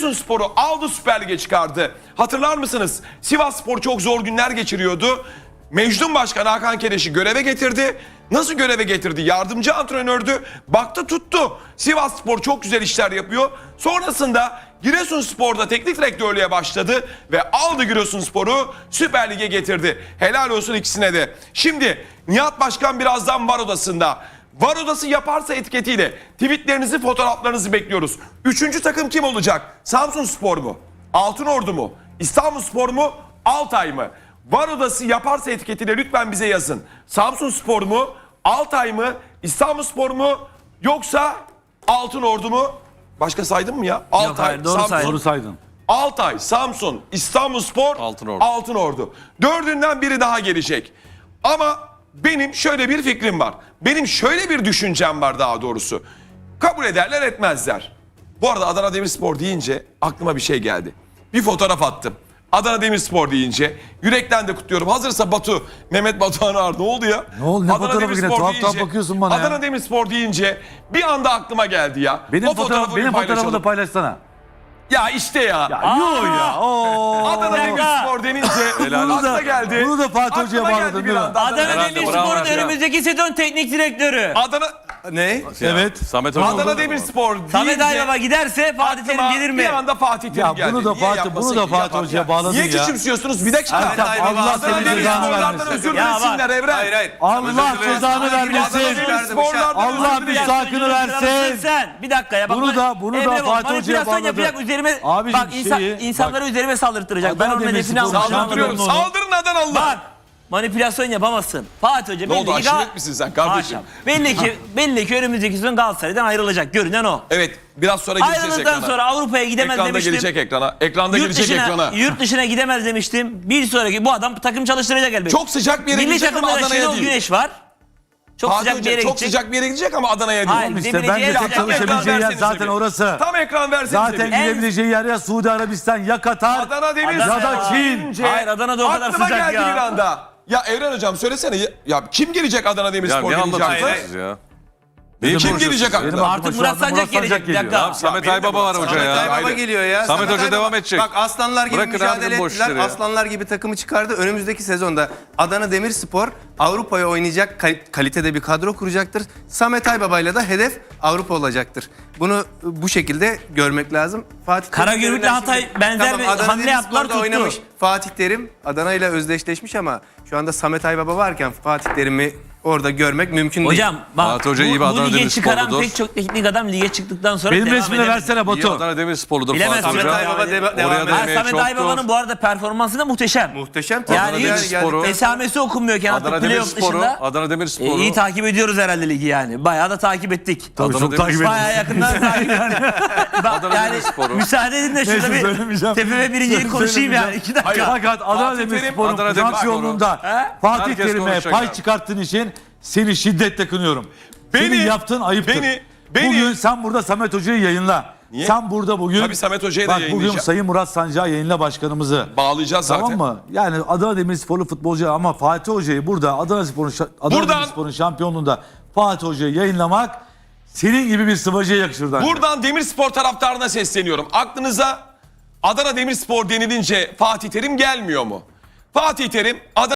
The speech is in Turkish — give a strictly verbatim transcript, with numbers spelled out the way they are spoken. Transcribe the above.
Giresunspor'u aldı, Süper Lig'e çıkardı. Hatırlar mısınız? Sivasspor çok zor günler geçiriyordu. Mecnun Başkan Hakan Keleş'i göreve getirdi. Nasıl göreve getirdi? Yardımcı antrenördü. Baktı tuttu. Sivasspor çok güzel işler yapıyor. Sonrasında Giresunspor'da teknik direktörlüğe başladı ve aldı Giresunspor'u Süper Lig'e getirdi. Helal olsun ikisine de. Şimdi Nihat Başkan birazdan var odasında. Var odası yaparsa etiketiyle tweetlerinizi, fotoğraflarınızı bekliyoruz. Üçüncü takım kim olacak? Samsunspor mu? Altınordu mu? İstanbulspor mu? Altay mı? Var odası yaparsa etiketiyle lütfen bize yazın. Samsunspor mu? Altay mı? İstanbulspor mu? Yoksa Altınordu mu? Başka saydım mı ya? Altay, Yok, hayır, doğru Samsun, saydın. Doğru saydın. Altay, Samsun, İstanbulspor, Altınordu. Altınordu. Dördünden biri daha gelecek. Ama benim şöyle bir fikrim var. Benim şöyle bir düşüncem var daha doğrusu. Kabul ederler etmezler. Bu arada Adana Demirspor deyince aklıma bir şey geldi. Bir fotoğraf attım. Adana Demirspor deyince yürekten de kutluyorum. Hazırsa Batu, Mehmet Batuhan Ağar, ne oldu ya? Ne oldu? Ne Adana fotoğrafı yine? Demirspor Tuhaf deyince- tuhaf bakıyorsun bana ya. Adana Demirspor deyince bir anda aklıma geldi ya. Benim O fotoğraf, fotoğrafı benim bir fotoğrafımı paylaşalım. da paylaşsana. Ya işte ya. Ya yok ya. Oo. Adana Demirspor denince Bunu aklıma da, geldi. bunu da Fatih Hoca'ya Aklıma geldi bağladın bir değil mi? anda. Adana Herhalde, bravo Demirspor'un ya. önümüzdeki sezon teknik direktörü. Adana Ne? Evet. Samet Hoca Adana oldu. Demirspor Samet deyince Aybaba giderse Fatih Terim aklıma gelir mi? Bir anda Fatih Terim Ya geldi. bunu da Niye Fatih- yapmasın bunu da ki? Fatih Yapar Hoca'ya ya. bağladın Niye ya. küçümsüyorsunuz? Bir dakika. Samet Aybaba, Allah Allah senin Adana cezanı Demirspor'lardan vermesin. özür Ya dilesinler bak. Evren. Hayır hayır. Allah cezanı Adana vermesin. Demirspor'lardan Allah özür dilesin. müstakını versin. Sen bir dakika ya. Bak, Bunu da- bunu da Emre bak, Fatih Hoca'ya manipülasyon bağladı. yapacak üzerime. Abicim bak insan, şeyi- insanları bak. üzerime saldırtacak. Ben Adana onun hedefini Demirspor almışım. Saldırıyorum. Anladım onu. Saldırın Adanalılar. Bak manipülasyon yapamazsın. Fatih Hoca Ne belli oldu, ki aşiret Gal- misin sen kardeşim? Haşa. Belli ki belli ki önümüzdeki sezon Galatasaray'dan ayrılacak. Görünen o. Evet, biraz sonra gireceğiz Ayrıldıktan ekrana. sonra Avrupa'ya gidemez Ekranda demiştim. gelecek ekrana. Ekranda Yurt gelecek dışına, ekrana. yurt dışına gidemez demiştim. Bir sonraki bu adam takım çalıştıracak elbette. Çok sıcak bir yere Milli gidecek ama takımda da Adana'ya Şenol değil. Güneş var. Çok Fatih sıcak bir Hoca yere çok gidecek. sıcak bir yere gidecek ama Adana'ya değil. Hayır, İşte gidebileceği bence yer tek sıcak. çalışabileceği yer versenize zaten bir. orası. Tam ekran versenize Zaten bir. gidebileceği yer ya Suudi Arabistan ya Katar. Adana Demirspor ya da Çin. deyince Hayır, Adana'da o kadar aklıma sıcak geldi ya. bir anda. Ya Evren Hocam söylesene ya, ya kim gelecek Adana Ya Demirspor ne gelecek? anlatıyorsunuz ya? Benim Kim boşum. gelecek Benim aklına? aklıma Artık şu Murat anda Sancak gelecek. Bir geliyor. dakika. Samet benim de Aybaba var Murat hoca Sancak ya. Aybaba Ayrı. geliyor ya. Samet Hoca Aybaba- devam edecek. Bak aslanlar gibi Bırakın mücadele abinin boş ettiler. işleri ya. Aslanlar gibi takımı çıkardı. Önümüzdeki sezonda Adana Demirspor Avrupa'ya oynayacak kal- kalitede bir kadro kuracaktır. Samet Aybaba'yla da hedef Avrupa olacaktır. Bunu bu şekilde görmek lazım. Fatih Terim Karagümrük'le üzerinden Hatay şimdi- benzer bir Adana hamle yaptılar, Demirspor'da tuttu. oynamış. Fatih Terim Adana ile özdeşleşmiş ama şu anda Samet Aybaba varken Fatih Terim'i orada görmek mümkün değil. Hocam bak Fatih Hoca bu, iyi bir bu Adana lige çıkaran Demirsporludur. pek çok teknik adam lige çıktıktan sonra Benim devam resmini edemedi. versene İyi Batu. Adana Demirsporludur Bilemez Fatih Samet Hoca. Aybaba de- devam Oraya ediyor. da Ha, emeği Samet çoktur. Aybaba'nın bu arada performansı da muhteşem. Muhteşem. Yani Adana hiç Demirspor'u- esamesi okunmuyorken Adana artık playoff Demirspor'u, dışında Adana e, Demirspor'u. iyi takip ediyoruz herhalde ligi yani. Bayağı da takip ettik. Tabii Adana çok takip Demirspor. ediyorum. Bayağı yakından takip ettik. Bak, Adana yani Demirspor'u. müsaade edin de şurada Neyse, bir söylemeyeceğim. tepeme birinciyi konuşayım yani. Söylemeyeceğim. iki dakika. Fakat Adana Fatih Terim, Demirspor'un Adana Demirspor'u. şampiyonluğunda He? Fatih Herkes Terim'e konuşacak pay abi. çıkarttığın için seni şiddetle kınıyorum. Beni- Senin yaptığın ayıptır. beni- beni- Bugün sen burada Samet Hoca'yı yayınla. Niye? Sen burada bugün... Tabii Samet Hoca'yı da Bak bugün yayınlayacağım. Sayın Murat Sancak'ı yayınla başkanımızı. Bağlayacağız zaten. Tamam mı? Yani Adana Demirsporlu futbolcu ama Fatih Hoca'yı burada Adana Spor'un şa- Adana Buradan- Demirspor'un şampiyonluğunda Fatih Hoca'yı yayınlamak senin gibi bir sıvacıya yakışır. bence. Buradan Demirspor taraftarına sesleniyorum. Aklınıza Adana Demirspor denilince Fatih Terim gelmiyor mu? Fatih Terim Adana